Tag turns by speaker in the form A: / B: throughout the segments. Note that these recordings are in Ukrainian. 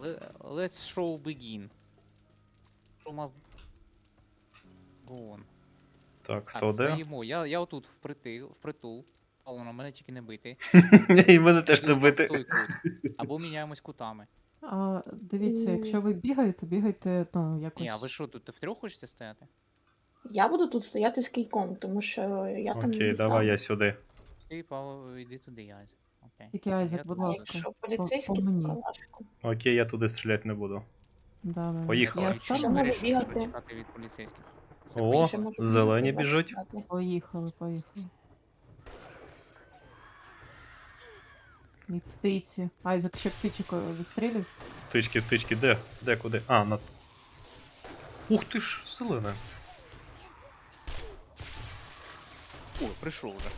A: Let's show begin. Show must go on.
B: Так,
A: Так,
B: хто де?
A: стоїмо. Я отут впритул. Павло, мене тільки не бити.
B: І мене теж не
A: Або в
B: бити.
A: той кут. Або міняємось кутами.
C: Дивіться, якщо ви бігайте, ну,
A: Ні, а ви
C: якось.
A: що, тут втрьох хочете стояти?
D: Я буду тут стояти з кійком, тому що я там
B: Окей,
D: не
B: давай
D: стану.
B: я сюди.
A: Ти, Павло, йди туди, Айзек. Окей.
C: Тільки Айзек,
A: Я
C: будь
A: тут.
D: А
C: ласка.
D: якщо
C: по
D: поліцейський, то
C: мені.
D: калашку.
B: Окей, я туди стріляти не буду.
C: Да.
B: Поїхали.
C: Я
A: Чому
C: стану.
D: можу
A: вирішив
D: бігати.
A: чекати від поліцейських? Все,
B: О,
A: поїхали.
D: Ще можу
B: зелені
D: бігати,
B: біжуть.
D: бачити.
C: Поїхали. І птиці. Айзек ще птичку відстрілюй.
B: Птички, де? Де, куди? А, на... Ух ти ж, зелене.
A: О, прийшов вже.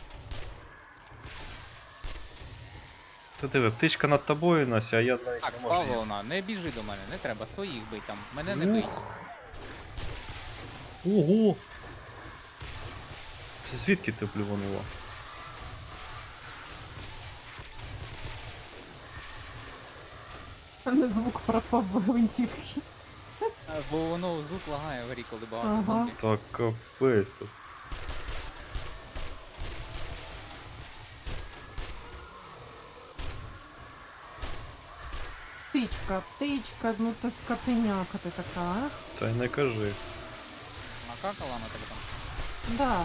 B: Ти диви, птичка над тобою, Нася, а я навіть
A: Так,
B: не можу. її.
A: Павловна, не біжи до мене, не треба, своїх бий там. Мене не бий.
B: Ого! Це звідки ти плюванула?
C: Звук пропав гвинтівки.
A: Бо воно звук лагає в грі, коли багато
C: Ага.
A: зомбі.
B: Так капець тут.
C: Птичка, ну ти скотиняка ти така, а?
B: Та й не кажи.
A: Накакала на тебе там.
C: Да.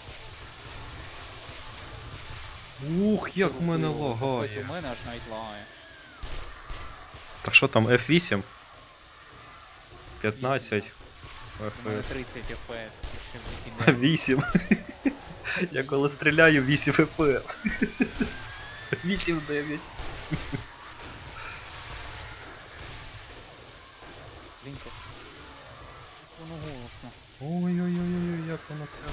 B: Ух, як в мене
A: Ось
B: лагає.
A: у мене аж навіть лагає.
B: Так що там, F8? 15
A: У мене
B: FPS.
A: 30 FPS. Ще викидає.
B: 8. Я коли стріляю 8 FPS. 8-9.
A: Блінко. Воно голосно.
B: Ой-ой-ой, як воно все.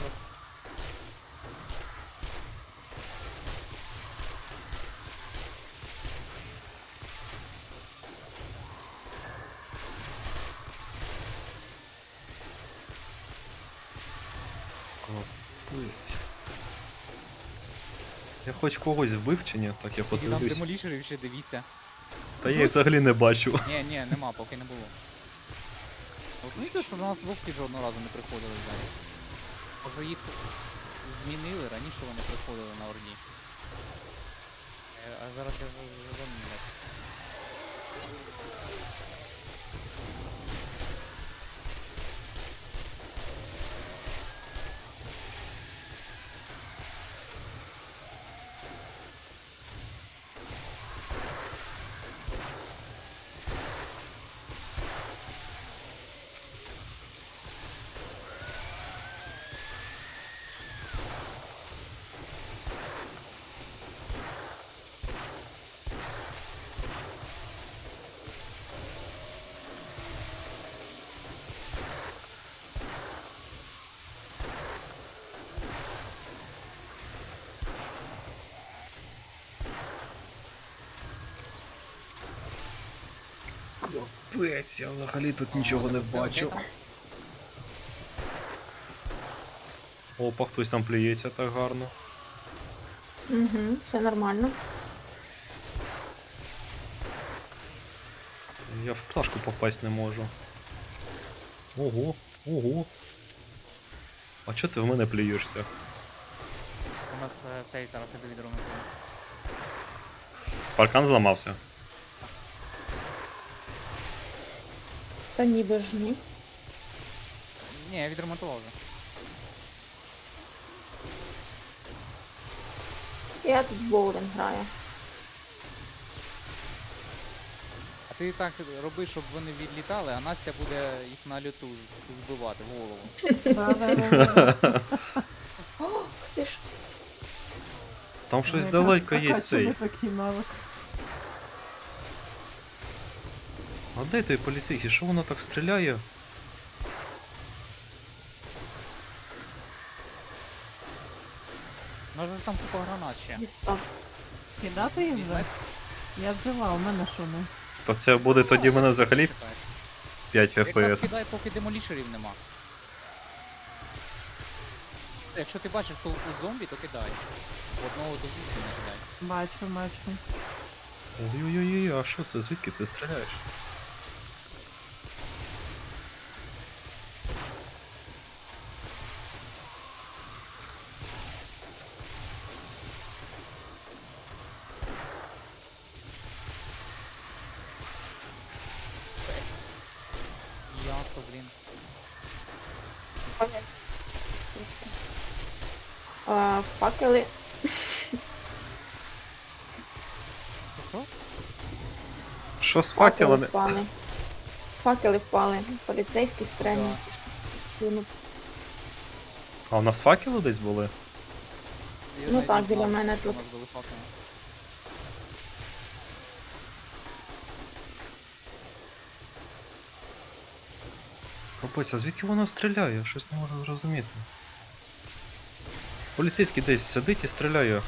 B: Капець. Я хоч когось вбив чи ні? Так я
A: Тільки там
B: подивлюсь.
A: демолішерів ще дивіться.
B: Та я їх взагалі не бачу.
A: Ні, нема, поки не було. От знаєте, що до нас вовки жодного разу не приходили взагалі. Може їх змінили, раніше вони приходили на Орді. А зараз я замінив.
B: Капець, я взагалі тут нічого не бачу. Опа, хтось там плюється так гарно.
D: Угу, все нормально.
B: Я в пташку попасть не можу. Ого. А чого ти в мене плюєшся?
A: У нас цей зараз іде відремонтує.
B: Паркан зламався.
D: Та ніби ж ні.
A: Ні, я відремонтував вже.
D: Я тут в боулінг граю.
A: А ти так роби, щоб вони відлітали, а Настя буде їх на льоту збивати в голову.
C: Да.
D: О, ти ж.
B: Там щось далеко є
C: Чому
B: цей.
C: такий навик?
B: А де той поліцейський? Що воно так стріляє?
A: Може там купа гранат ще.
D: Дістав.
C: Кидати їх вже? Я взяла, у мене що не?
B: То це буде тоді в мене взагалі
A: Чекай.
B: 5
A: Якраз
B: FPS.
A: кидай, поки демолішерів нема. Якщо ти бачиш толпу зомбі, то кидай. Одного до 8 не кидай.
C: Бачу.
B: Ой-ой-ой, а що це? Звідки ти стріляєш?
A: М'ясо, блін.
D: Просто. Факели.
A: Що?
B: Що з факелами?
D: впали. Факели впали. Поліцейські стрельні. Ну,
B: А у нас факели десь були?
A: Я
D: Ну
A: навіть
D: так,
A: не
D: біля
A: знав,
D: мене
A: що у
D: тут.
A: нас були факели.
B: Капець, а звідки воно стріляє? Щось не можу зрозуміти. Поліцейський десь сидить і стріляє.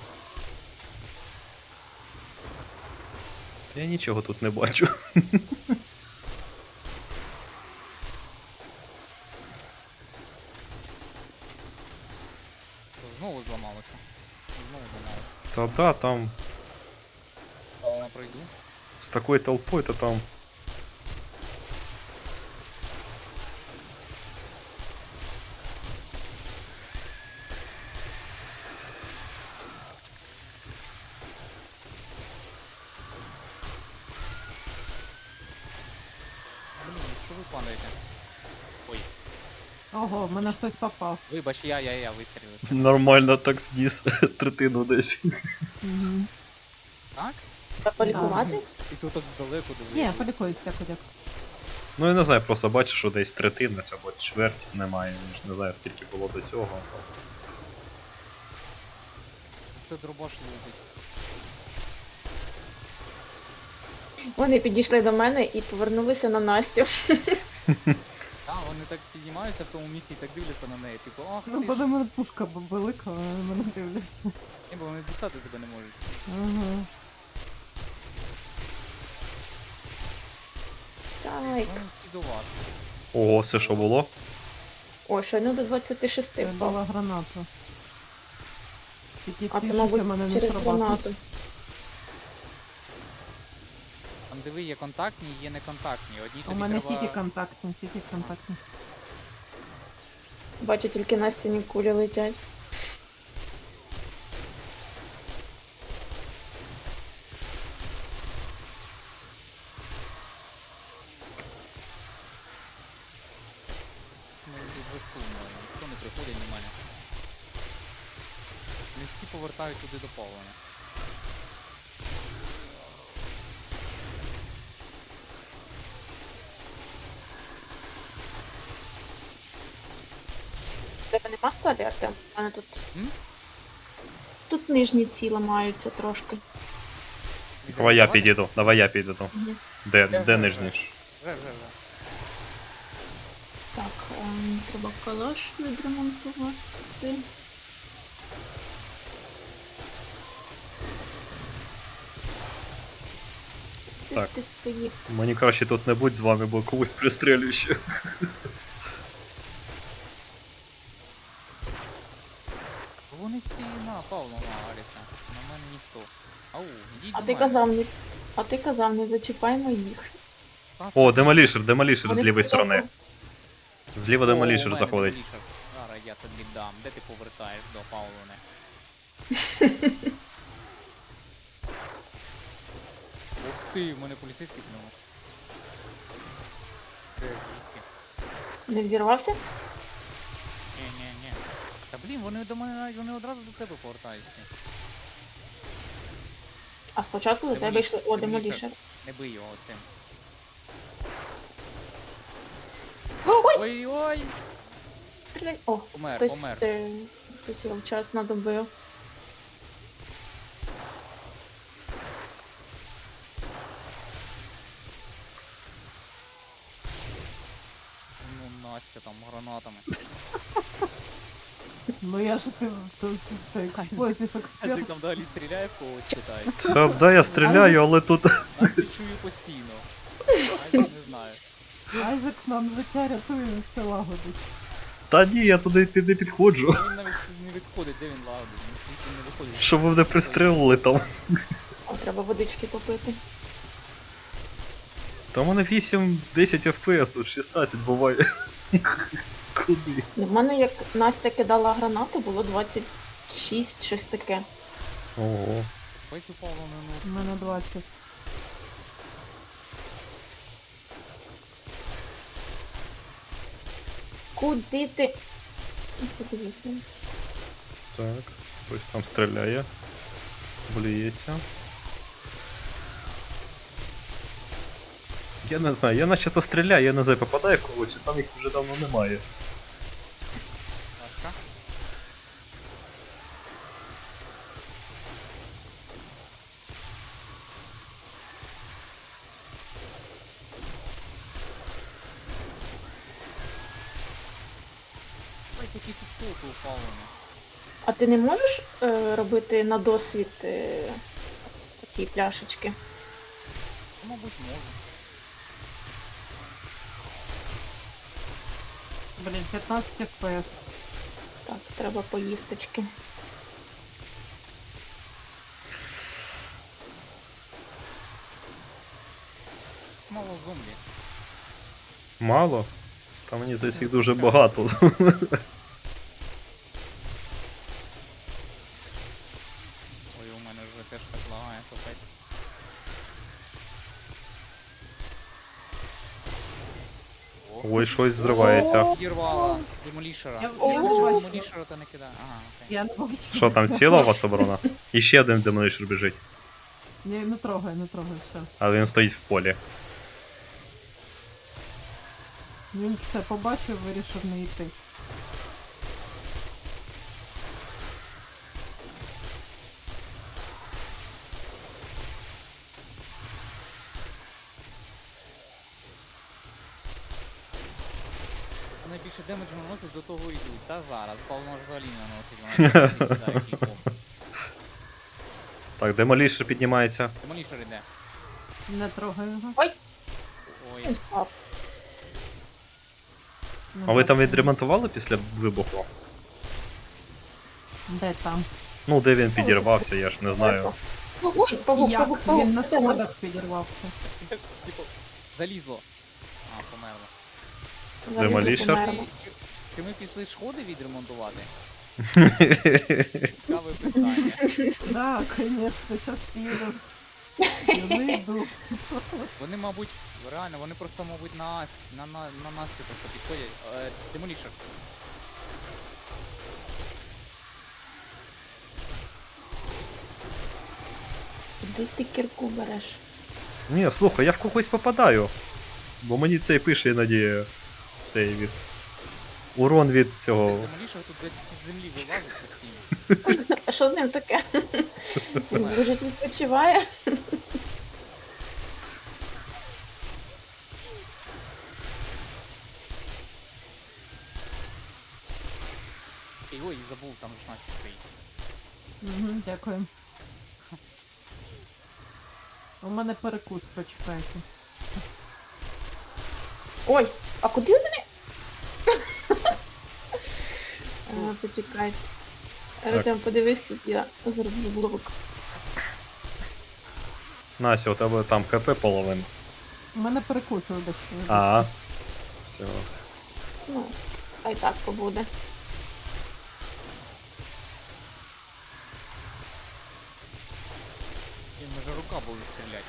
B: Я нічого тут не бачу.
A: Знову зламалося. Знову зламалося.
B: Та да, там
A: Я пройду.
B: з такою толпою, то там.
A: Блін, що ви падаєте? Ой,
C: Ого, в мене хтось попав.
A: вибач, я вистрілив.
B: Нормально так зніс третину десь.
C: Угу.
A: Так?
D: треба полікувати?
A: І тут так здалеку
C: Ні,
A: дивись.
C: полікуюсь, дякую.
B: Ну я не знаю, просто бачу, що десь третина або чверть немає. Я ж не знаю, скільки було до цього.
A: Це дробаш летить.
D: Вони підійшли до мене і повернулися на Настю.
A: Так, вони так піднімаються в тому місці і так дивляться на неї. Типу, ах,
C: Ну,
A: ти
C: бо
A: ж.
C: до мене пушка велика, а на мене дивляться.
A: Ні, бо вони дістати тебе не можуть.
C: Ага.
D: Так.
A: Вони всі до вас.
B: Ого, це що було?
D: О, щойно до 26
C: Я
D: впав.
C: дала гранату. Тільки
D: А
C: ці
D: це,
C: щось у
D: мабуть,
C: мене не
D: через
C: срабатують.
D: гранату.
A: Там диви, є контактні, є неконтактні. Одні
C: У
A: тобі
C: мене
A: треба...
C: тільки контактні, тільки контактні.
D: Бачу, тільки Настіні кулі летять.
A: Ну, тут безсумно. Ніхто не приходить, немає. Не всі повертають туди до Павлена.
D: Тебе нема сталі, Артем? У мене тут...
A: М?
D: Тут нижні ці ламаються трошки.
B: Давай я підійду, давай я підійду.
D: Мгм.
B: Де нижній?
A: Вже.
D: Так, треба калаш відремонтувати.
B: Так.
D: Ти свої.
B: Мені краще тут не будь з вами, бо когось пристрелю ще.
A: Вони всі на Павла нагаряться. На мене ніхто. Ау, йдіть
D: А
A: до
D: ти
A: мене.
D: казав, не зачіпаймо їх.
B: О,
A: Вони
B: демолішер з лівої сторони. Зліва демолішер
A: О, у мене
B: заходить.
A: демолішер. Зараз я тобі дам. Де ти повертаєш до Павлони? Ух ти, в мене поліцейський пнув. Де звідки?
D: Не взірвався?
A: Ні. Та блін, вони до мене вони одразу до тебе повертаються.
D: А спочатку до тебе йшли. О, демолішер.
A: Не бий його оцим.
D: Ой!
A: Ой-ой!
D: Стріляй! О,
A: Помер,
D: хтось,
A: помер.
D: хтось його вчасно добив.
A: Ну, Настя там гранатами.
C: Ну я ж це експлозив
A: Азик
C: експерт.
A: там далі стріляє в когось, читає.
B: Це да, я стріляю, але тут.
A: Настю чую постійно. Азик не знаю.
C: Айзек нам життя рятує, все лагодить.
B: Та ні, я туди не підходжу.
A: Він навіть не відходить, де він лагодить, він звідти не виходить.
B: Щоб ви мене пристрелили там.
D: О, треба водички попити.
B: Та у мене 8-10 FPS, тут 16 буває. Куди?
D: В мене як Настя кидала гранату, було 26, щось таке.
B: Ого.
A: Весь упав на
C: У мене 20.
D: Куди ти? Подивися.
B: Так, хтось там стріляє. Блюється. Я не знаю, я наче то стріляю, я не знаю, попадає когось, чи там їх вже давно немає.
A: Ласка. Ось які тут толки упалені.
D: А ти не можеш робити на досвід такі пляшечки?
A: Ну, мабуть, можу.
C: Блін, 15 FPS.
D: Так, треба поїсточки.
A: Мало зомбі.
B: Мало? Та мені здається їх дуже багато.
A: Ой, у мене вже теж так лагає, капець.
B: Ой, щось зривається.
A: Підірвала демолішера.
C: Я
D: бачу.
A: Демолішера та не кидає. Ага, окей.
C: Я не бачу.
B: Що там, ціла у вас оборона? І ще один демонішер біжить,
C: Ні, не трогай, все.
B: але він стоїть в полі.
C: Він це побачив, вирішив не йти.
A: Найбільше демеджу наносить, до того йдуть. Та зараз, Павло може взагалі не наносить, вона кидає кільком.
B: Так, демолішер піднімається.
A: Демолішер іде.
C: Не трогай його.
A: Ой.
D: Він впав.
C: Не
B: А ви там
C: бачу.
B: відремонтували після вибуху?
C: Де там?
B: Ну, де він підірвався, я ж не знаю.
D: Ой, павук,
C: Як?
D: павук, павук.
C: Він на сходах підірвався.
A: Типу, залізло. А, померло.
D: Взагалі
B: Демолішер?
D: померла.
A: Чи ми пішли сходи відремонтувати? Цікаве питання.
C: Да, конечно, сейчас піду. Я не йду.
A: Вони, мабуть, реально, вони просто, мабуть, на нас просто підходять. Демолішер.
D: Куди ти кірку береш?
B: Ні, слухай, я в когось попадаю. Бо мені цей пише іноді цей від. Урон від цього.
A: Демолішер тут десь під землі вилазить постійно.
D: А що з ним таке? Він лежить, відпочиває.
A: Ой, забув, там ж Настя стоїть.
C: Угу, дякую. У мене перекус, почекайте.
D: Ой, а куди вони? Почекайте. Артем, подивись, тут я зроблю блок.
B: Настя, у тебе там ХП половин.
C: У мене перекус, вибачте.
B: А. Все.
D: Ну, хай так побуде.
A: І може рука буде стріляти.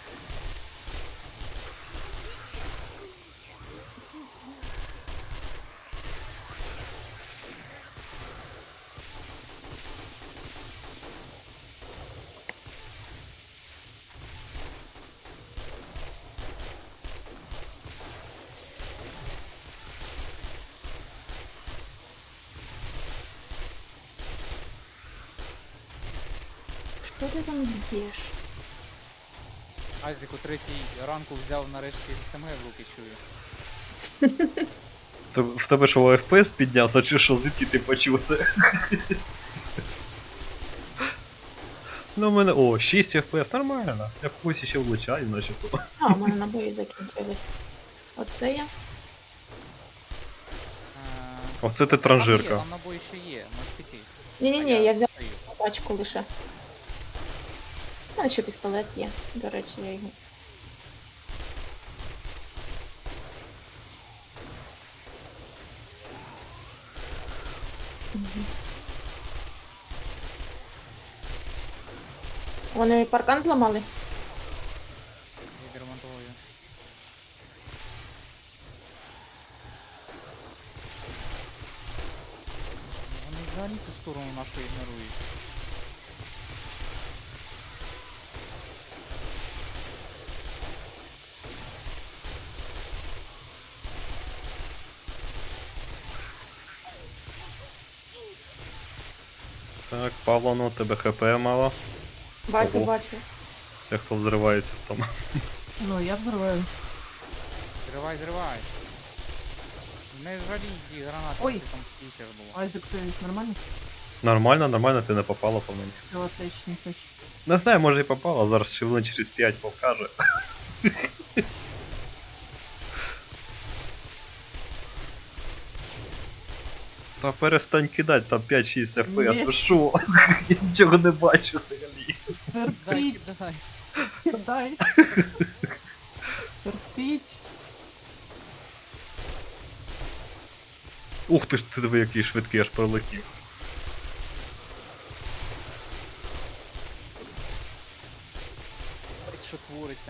D: Що ти там б'єш?
A: Айзек у 3 ранку взяв нарешті СМГ в руки чую.
B: В тебе що FPS піднявся, чи що, звідки ти почув це? Ну, у мене. О, 6 FPS, нормально. Я когось ще влучаю, начебто.
D: А, у мене набої закінчились. Оце я.
B: Оце ти
A: Там є,
B: транжирка.
A: там набої ще є, можеш піти.
D: Ні-ні-ні, я взяв
A: стою.
D: пачку лише. У мене ще пістолет є. До речі, я його. Мгм. Вони паркан зламали?
A: Відремонтую. сторону нашу ігнорують.
B: Так, Павло, ну тебе ХП мало.
D: Бачу,
B: Ого.
D: бачу.
B: Це хто взривається там.
C: Ну, я взрываю.
A: Зривай, зривай. Не жалій ті гранати,
C: Ой.
A: ти там стікер було.
C: Айзек, ты нормально?
B: Нормально, нормально, ти не попала по мені.
C: Все отлично, точно.
B: Не знаю, може і попала, зараз ще хвилин через 5 покаже. Та перестань кидати, там 5-6 FPS,
C: Ні.
B: ви шо? Я нічого не бачу взагалі.
A: Дай,
C: Терпіть,
A: кидай.
C: дай. Терпіть.
B: Ух ти ж, ти диви, який швидкий, аж пролетів.
A: Ось що твориться.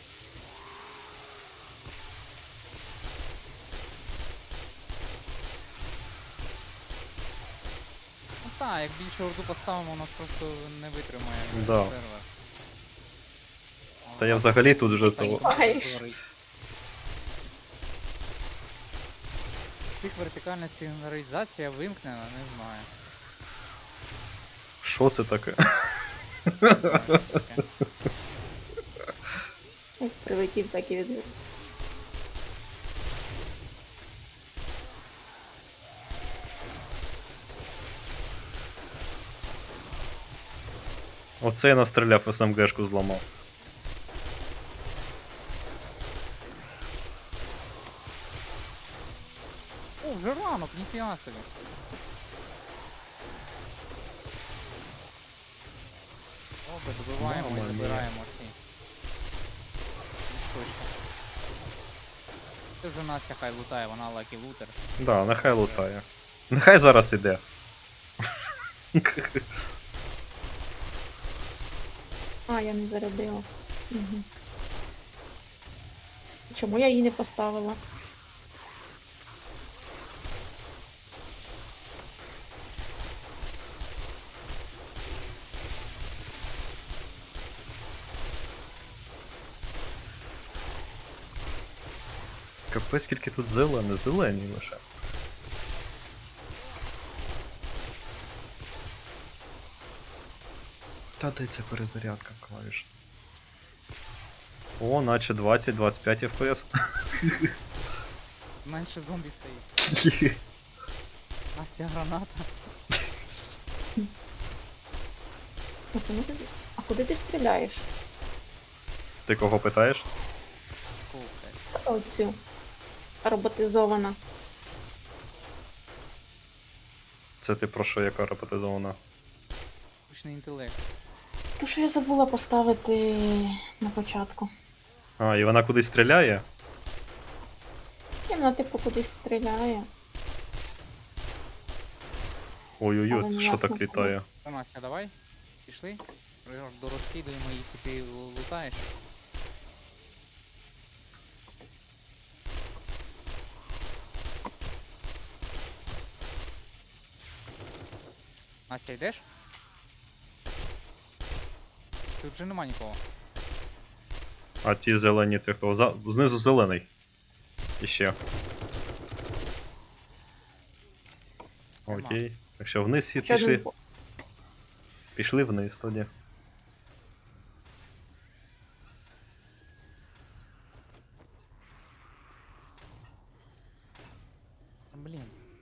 A: Ну так, як більше орду поставимо, у нас просто не витримає
B: Да.
A: сервер.
B: Та я взагалі тут вже того.
D: Ай.
A: Цих вертикальна сигналізація вимкнена, не знаю.
B: Що це таке?
A: Не знаю, що таке.
D: Як прилетів, так і відбив.
B: Оце я настріляв, СМГшку зламав.
A: О, вже ранок, ніфіга собі. Добре, добиваємо
B: Мама
A: і
B: мia.
A: забираємо ці. Точно. Це вже Настя хай лутає, вона лакі лутер.
B: Да, нехай лутає. Нехай зараз іде.
D: А, я не зарядила. Угу. Чому я її не поставила?
B: Капець, скільки тут зелені лише. Та де ця перезарядка клавіш? О, наче 20-25 FPS.
A: Менше зомбі стоїть. Настя граната.
D: А куди ти стріляєш?
B: Ти кого питаєш?
A: Слухай.
D: Оцю. Роботизована.
B: Це ти про що, яка роботизована?
A: Штучний інтелект.
D: То, що я забула поставити на початку.
B: А, і вона кудись стріляє?
D: І вона типу кудись стріляє. Але
B: Ой-ой-ой,
D: не
B: це що
D: ясно,
B: так літає?
A: Та, Настя, давай. Пішли. Дорозкидуємо їх, і ти лутаєш. Настя, йдеш? Тут вже нема нікого.
B: А ті зелені, ти хто? Знизу зелений. Іще.
A: Нема.
B: Окей. Якщо вниз всі
D: Ще один
B: пішли.
D: по-
B: Пішли вниз тоді.
A: Блін.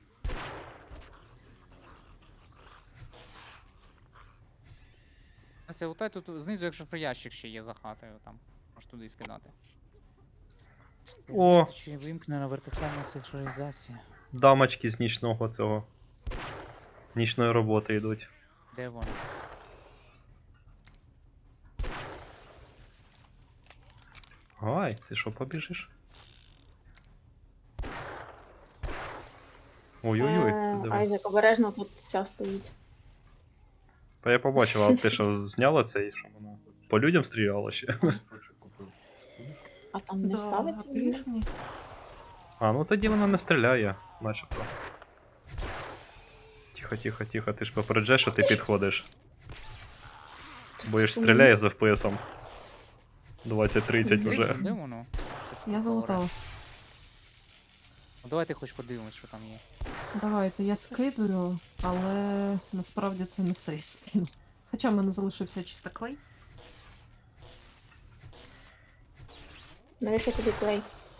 A: Настя, лутай тут знизу, якщо що ящик ще є за хатою там. Можеш туди скидати.
B: О,
A: Чи вимкнена вертикальна синхронізація?
B: дамочки з нічного цього. Нічної роботи йдуть.
A: Де вони?
B: Ай, ти що, побіжиш? Ой-ой-ой, ти диви.
D: Айзек, обережно тут ця стоїть.
B: Та я побачив, а ти що, зняла це і що вона по людям стріляла ще?
D: А там не ставиться? ні?
C: отлично.
B: А, ну тоді вона не стріляє, начебто. Тихо, тихо, тихо, ти ж попереджаєш, що ти підходиш. Бо я ж стріляю з FPS-ом. 20-30 вже.
A: Де воно?
C: Я залутала.
A: Ну, давайте хоч подивимось, що там є.
C: Давайте, я скидую, але насправді це не все я скину. Хоча в мене залишився чисто клей.
D: Навіщо тобі клей?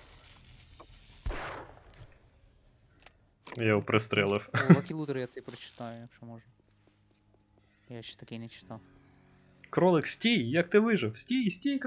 B: Я його пристрелив.
A: О, Lucky Looter я цей прочитаю, якщо можна. Я ще такий не читав.
B: Кролик, стій! Як ти вижив? Стій, стій,